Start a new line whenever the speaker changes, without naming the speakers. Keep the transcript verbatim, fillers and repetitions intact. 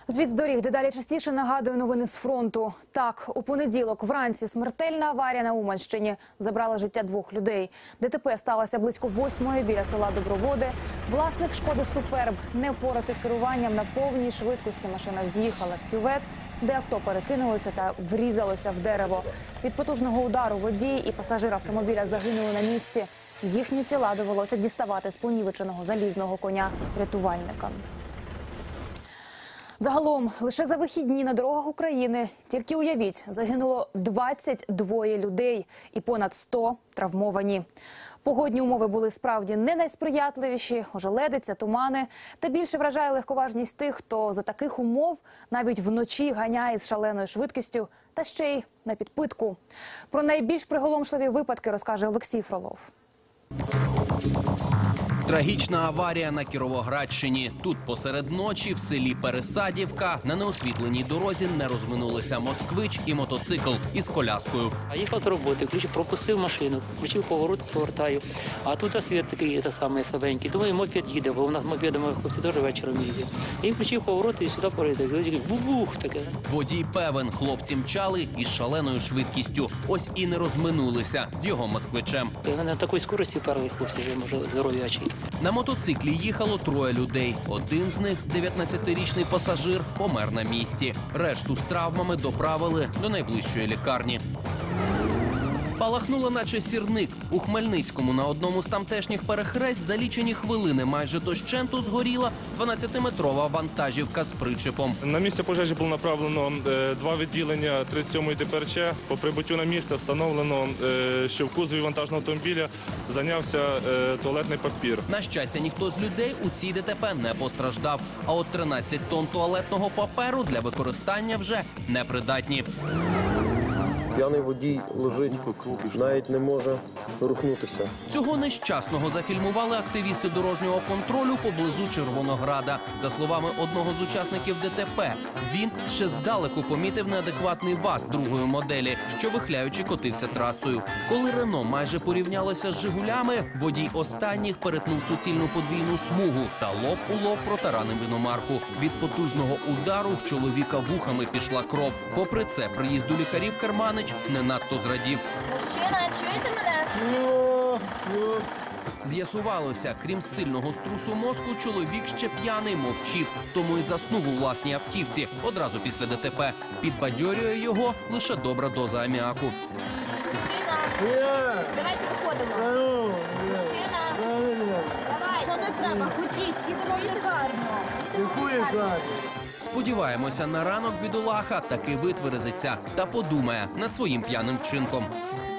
Звіт з доріг дедалі частіше нагадує новини з фронту. Так, у понеділок вранці смертельна аварія на Уманщині забрала життя двох людей. ДТП сталося близько восьмої біля села Доброводи. Власник «Шкоди Суперб» не впорався з керуванням на повній швидкості. Машина з'їхала в кювет, де авто перекинулося та врізалося в дерево. Від потужного удару водій і пасажир автомобіля загинули на місці. Їхні тіла довелося діставати з понівеченого залізного коня рятувальникам. Загалом, лише за вихідні на дорогах України, тільки уявіть, загинуло двадцять двоє людей і понад сто травмовані. Погодні умови були справді не найсприятливіші, ожеледиця, тумани. Та більше вражає легковажність тих, хто за таких умов навіть вночі ганяє з шаленою швидкістю та ще й на підпитку. Про найбільш приголомшливі випадки розкаже Олексій Фролов.
Трагічна аварія на Кіровоградщині. Тут посеред ночі в селі Пересадівка на неосвітленій дорозі не розминулися москвич і мотоцикл із коляскою.
А їхав з роботи, включив, пропустив машину, включив поворот, повертаю. А тут світ такий, це саме слабенький. Думаю, мопед їде, бо у нас мопедами хлопці теж вечором їздять. І включив поворот і сюди порити. Бу-бух таке.
Водій певен, хлопці мчали із шаленою швидкістю. Ось і не розминулися з його москвичем.
Вони на такій скорості перли хлопці, вже, може, здоров'ячі.
На мотоциклі їхало троє людей. Один з них, дев'ятнадцятирічний пасажир, помер на місці. Решту з травмами доправили до найближчої лікарні. Спалахнуло наче сірник. У Хмельницькому на одному з тамтешніх перехресть за лічені хвилини майже дощенту згоріла дванадцятиметрова вантажівка з причепом.
На місце пожежі було направлено е, два відділення тридцять сьомої Д П Р Ч. По прибуттю на місце встановлено, е, що в кузові вантажного автомобіля зайнявся е, туалетний папір.
На щастя, ніхто з людей у цій Д Т П не постраждав. А от тринадцять тонн туалетного паперу для використання вже непридатні.
П'яний водій лежить, навіть не може рухнутися.
Цього нещасного зафільмували активісти дорожнього контролю поблизу Червонограда. За словами одного з учасників Д Т П, він ще здалеку помітив неадекватний ВАЗ другої моделі, що вихляючи котився трасою. Коли Рено майже порівнялося з Жигулями, водій останніх перетнув суцільну подвійну смугу та лоб у лоб протаранив іномарку. Від потужного удару в чоловіка вухами пішла кров. Попри це, приїзду лікарів Керманич не надто зрадів.
Мужчина, чуєте мене?
З'ясувалося, крім сильного струсу мозку, чоловік ще п'яний мовчив, тому і заснув у власній автівці одразу після Д Т П. Підбадьорює його лише добра доза аміаку.
Мужчина, давайте виходимо. Мужчина, давай.
Що не треба? Ходіть, їдемо в лікарню.
Яку лікарню?
Сподіваємося, на ранок бідолаха таки витверезиться та подумає над своїм п'яним вчинком.